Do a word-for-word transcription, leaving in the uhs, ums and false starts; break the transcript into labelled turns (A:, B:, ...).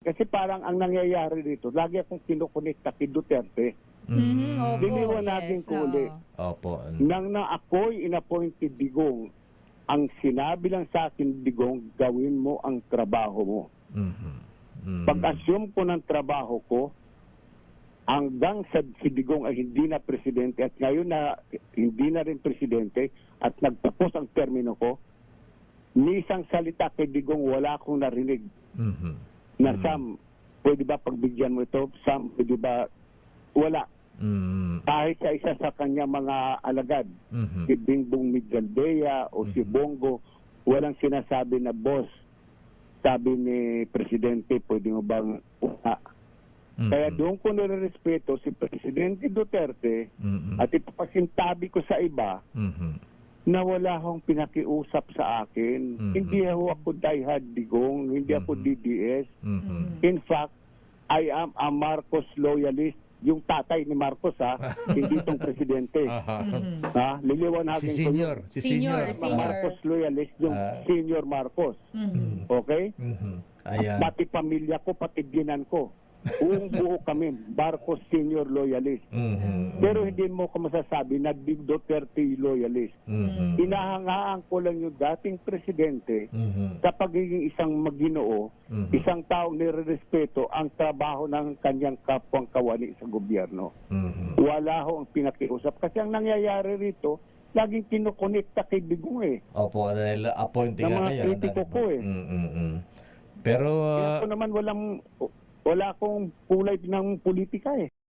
A: Kasi parang ang nangyayari dito, lagi akong kinukonekta kay Duterte.
B: Mhm, opo,
A: Liniwanagin
B: yes,
A: ko uli.
B: oo.
C: Opo.
A: Nang na ako'y inappointed Digong, ang sinabi lang sa akin, Digong, gawin mo ang trabaho mo.
C: Mhm. Mhm.
A: Pag-assume ko ng trabaho ko, hanggang sa si Digong ay hindi na presidente at ngayon na hindi na rin presidente at nagtapos ang termino ko, ni isang salita kay Digong wala akong narinig
C: Mhm.
A: na
C: Mhm.
A: Sam, pwede ba pagbigyan mo ito? Sam, pwede ba? Wala.
C: Mhm.
A: Kahit sa isa sa kanya mga alagad,
C: Mhm.
A: si Bingbong Migaldea o si
C: Mhm.
A: Bongo, walang sinasabi na boss. Sabi ni Presidente, pwede mo bang una?
C: Mhm.
A: Kaya doon ko nirerespeto si Presidente Duterte
C: Mhm.
A: at ipapasintabi ko sa iba
C: Mhm.
A: na wala akong pinakiusap sa akin.
C: Mhm.
A: Hindi ako ako diehard Digong, hindi ako
C: Mhm.
A: D D S.
C: Mhm.
A: In fact, I am a Marcos loyalist. Yung tatay ni Marcos ha, hindi itong presidente.
C: Aha.
A: Ha? Liliwanagin
C: Si
A: ko
C: senior,
A: yun.
C: si
B: Senior,
C: senior.
B: senior.
A: Marcos loyalist, yung
C: Ah.
A: senior Marcos.
B: Mhm.
A: Okay?
C: Mhm.
A: At
C: Ayan.
A: pati pamilya ko, pati ginan ko. Buong buo kami, Marcos senior loyalist.
C: Mhm.
A: Pero hindi mo ko masasabi na Big Duterte loyalist.
C: Mhm.
A: Inahangaan ko lang yung dating presidente
C: Mhm.
A: sa pagiging isang maginoo,
C: Mhm.
A: isang taong nirerespeto ang trabaho ng kanyang kapwang kawani sa gobyerno.
C: Mhm.
A: Wala ho ang pinakiusap. Kasi ang nangyayari rito, laging kinukonekta kay Digong eh.
C: Opo, dahil appointing
A: Ng
C: nga
A: mga
C: kayo.
A: kritiko ko eh.
C: Mm, mm, mm. Pero
A: Kaya
C: ah,
A: ako naman walang, wala akong kulay ng politika eh.